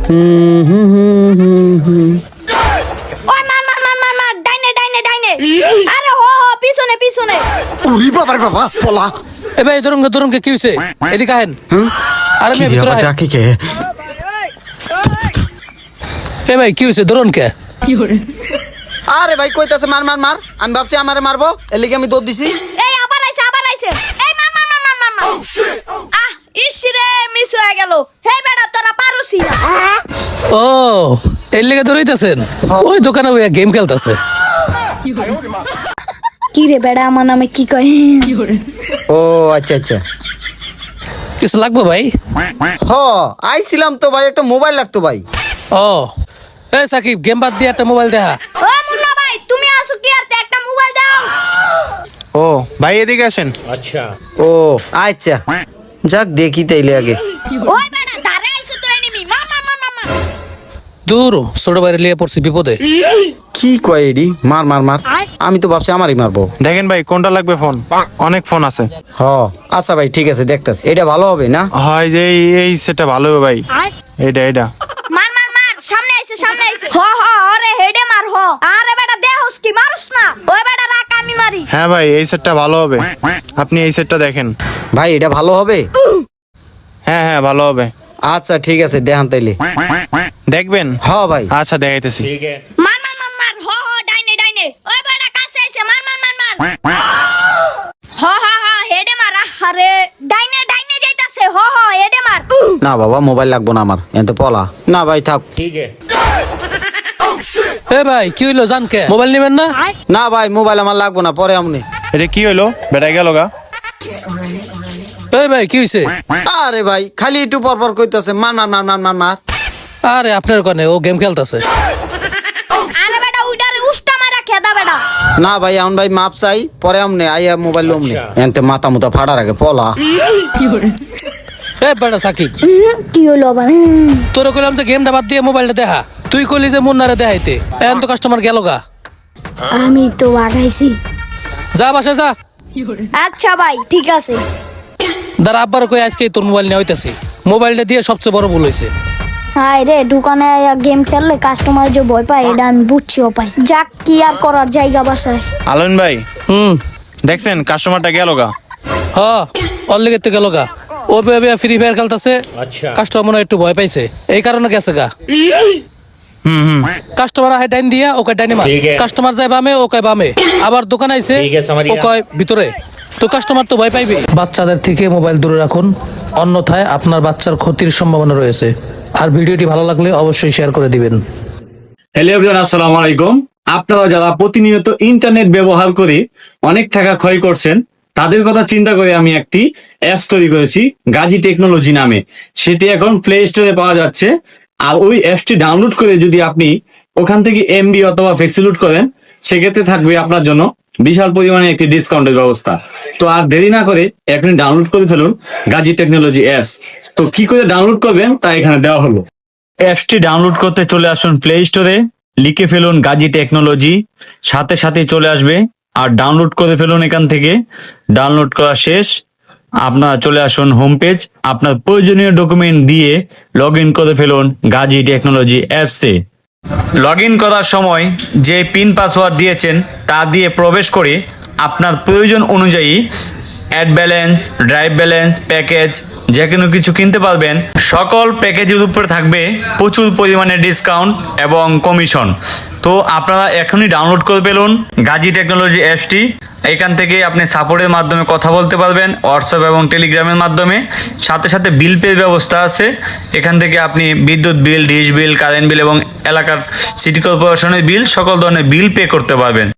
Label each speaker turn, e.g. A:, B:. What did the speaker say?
A: ওই মার মার মার মার মার ডাইনে ডাইনে ডাইনে আরে হো হো পিছনে পিছনে
B: উরি বাবা রে বাবা পলা
C: এ ভাই ধরুন কি হইছে এদিকে আহেন আরে
B: কি
C: আমি ভিতরে আহেন।
B: ডাকে কে
C: এ ভাই কি হইছে ধরুন কে
B: আরে ভাই কইতাছে মার মার মার আমি ভাবছি আমারে মারবো এর লিগে আমি দৌড় দিছি
A: এই আবার আইছে এই মার মার মার মার মার মার আহ ইস রে মিস হয়ে গেল হে বেটা তোরা পারুসি না
C: ও এর লেগে ধরাইতেছেন ওই দোকানে ওই গেম খেলতেছে
A: কি রে বেটা আমার নামে কি কয়
B: ও আচ্ছা আচ্ছা
C: কিছু লাগবে ভাই
B: হ আইছিলাম তো ভাই একটা মোবাইল লাগতো ভাই
C: ও এ সাকিব গেম বাদ দিয়ে একটা মোবাইল দেখা
A: ও মুন্না ভাই তুমি আসো কি আর একটা মোবাইল দাও
D: ও ভাই এদিকে আসেন।
B: ও আচ্ছা যাক দেখি তাইলে আগে
A: ওই বেটা ধারে আইছে তো এনিমি মার মার মার মার মার
C: দূর ছোট বাইরে লিয়ে পড়ছি বিপদে
B: কি কয় এডি মার মার মার আমি তো ভাবছি আমারই মারবো
D: দেখেন ভাই কোনটা লাগবে ফোন, অনেক ফোন আছে।
B: হ আচ্ছা ভাই ঠিক আছে দেখতাছি এটা ভালো হবে না
D: হয় যে এই সেটটা ভালো হবে ভাই, এটা
A: মার মার মার সামনে আইছে হ হ আরে হেডে মার হ আরে বেটা দেহস কি মারুস না ওই বেটা রাখ আমি মারি
D: হ্যাঁ ভাই এই সেটটা ভালো হবে, আপনি এই সেটটা দেখেন।
B: ভাই এটা ভালো হবে
D: হ্যাঁ হ্যাঁ ভালো হবে,
B: আচ্ছা ঠিক আছে দেখান তাইলে
D: দেখবেন।
B: হ ভাই
D: আচ্ছা দেখাইতেছি।
A: মার মার মার মার হ হ ডাইনে ডাইনে ওই বেটা কাছে আইছে মার মার মার মার হ হ হ হেডে মার আরে ডাইনে ডাইনে যাইতাছে হ হ হেডে মার
B: না বাবা মোবাইল লাগবো না আমার এতে পলা না ভাই থাক
C: এ ভাই কি হইলো জান কে মোবাইল নেবেন না
B: না ভাই মোবাইল আমার লাগবো না পরে আমনে
D: এটা কি হইলো বেটা গেল গা?
C: এ ভাই কি হইছে
B: আরে ভাই খালি একটু পর পর কইতাছে মার মার মার মার মার মার
C: আরে আপনার কানে ও গেম খেলতেছে
A: আরে বেটা উইডারে উষ্টা মারা খেদা বেটা
B: না ভাই এখন ভাই মাপ চাই পরে আমনে আইয়া মোবাইল লমনে এনতে মাথা মুতা ফাড়ার আগে পলা
C: এ বেটা সাকিব
A: কি হলো আবার
C: তোরে কইলাম যে গেমটা বাদ দিয়ে মোবাইলটা দেখা, তুই কইলি যে মুন্নারে দেখাইতে এখন তো কাস্টমার গেল গা।
A: আমি তো আগাইছি
C: যা বাসা যা
A: আচ্ছা ভাই ঠিক আছে
C: দাঁড়া আব্বার কই আজকে তোর মোবাইল নিয়ে হইতাছি, মোবাইলটা দিয়ে সবচেয়ে বড় ভুল হয়েছে।
A: হাই রে দোকানে গেম খেললে কাস্টমার যে ভয় পায় এটা আমি বুঝছিও পাই যাক কি আর করার জায়গা বাসায়
D: আলন ভাই
C: হুম
D: দেখছেন কাস্টমারটা গেল গা?
C: হ ওর লেগে তো গেল গা, ও বেবে ফ্রি ফায়ার খেলতেছে, কাস্টমার মনে হয় একটু ভয় পাইছে এই কারণে গেছে গা। কাস্টমার আহে ডাইন দিয়া ওকে ডাইনে মার, কাস্টমার যায় বামে ও কয় বামে, আবার দোকান আইছে ও কয় ভিতরে, তো কাস্টমার তো ভয় পাইবে। বাচ্চাদের থেকে মোবাইল দূরে রাখুন, অন্যথায় আপনার বাচ্চার ক্ষতির সম্ভাবনা রয়েছে। আর ভিডিওটি ভালো লাগলে অবশ্যই শেয়ার করে দিবেন।
E: হ্যালো এভরিওয়ান, আসসালামু আলাইকুম। আপনারা যারা প্রতিনিয়ত ইন্টারনেট ব্যবহার করে অনেক টাকা ক্ষয় করছেন তাদের কথা চিন্তা করে আমি একটি অ্যাপস তৈরি করেছি গাজী টেকনোলজি নামে। সেটি এখন প্লে স্টোরে পাওয়া যাচ্ছে। আর ওই অ্যাপসটি ডাউনলোড করে যদি আপনি ওখান থেকে এমবি অথবা ফ্লেক্সিলোড করেন সেক্ষেত্রে থাকবে আপনার জন্য বিশাল পরিমাণে একটি ডিসকাউন্টের ব্যবস্থা। তো আর দেরি না করে এখনই ডাউনলোড করে ফেলুন গাজী টেকনোলজি অ্যাপস। তো কি করে ডাউনলোড করবেন তা এখানে দেওয়া হলো। অ্যাপসটি ডাউনলোড করতে চলে আসুন প্লে স্টোরে, লিখে ফেলুন গাজী টেকনোলজি, সাথে সাথে চলে আসবে। আর ডাউনলোড করে ফেলুন এখান থেকে। ডাউনলোড করা শেষ, আপনারা চলে আসুন হোম পেজ, আপনার প্রয়োজনীয় ডকুমেন্ট দিয়ে লগ ইন করে ফেলুন গাজী টেকনোলজি অ্যাপসে। লগ ইন করার সময় যে পিন পাসওয়ার্ড দিয়েছেন তা দিয়ে প্রবেশ করে আপনার প্রয়োজন অনুযায়ী add balance, drive balance, package যে কোনো কিছু কিনতে পারবেন। সকল প্যাকেজের উপরে থাকবে প্রচুর পরিমাণে ডিসকাউন্ট এবং কমিশন। তো আপনারা এখনই ডাউনলোড করে ফেলুন গাজী টেকনোলজি অ্যাপসটি। এখান থেকে আপনি সাপোর্টের মাধ্যমে কথা বলতে পারবেন, হোয়াটসঅ্যাপ এবং টেলিগ্রামের মাধ্যমে। সাথে সাথে বিল পের ব্যবস্থা আছে। এখান থেকে আপনি বিদ্যুৎ বিল, ডিশ বিল, কারেন্ট বিল এবং এলাকার সিটি কর্পোরেশনের বিল, সকল ধরনের বিল পে করতে পারবেন।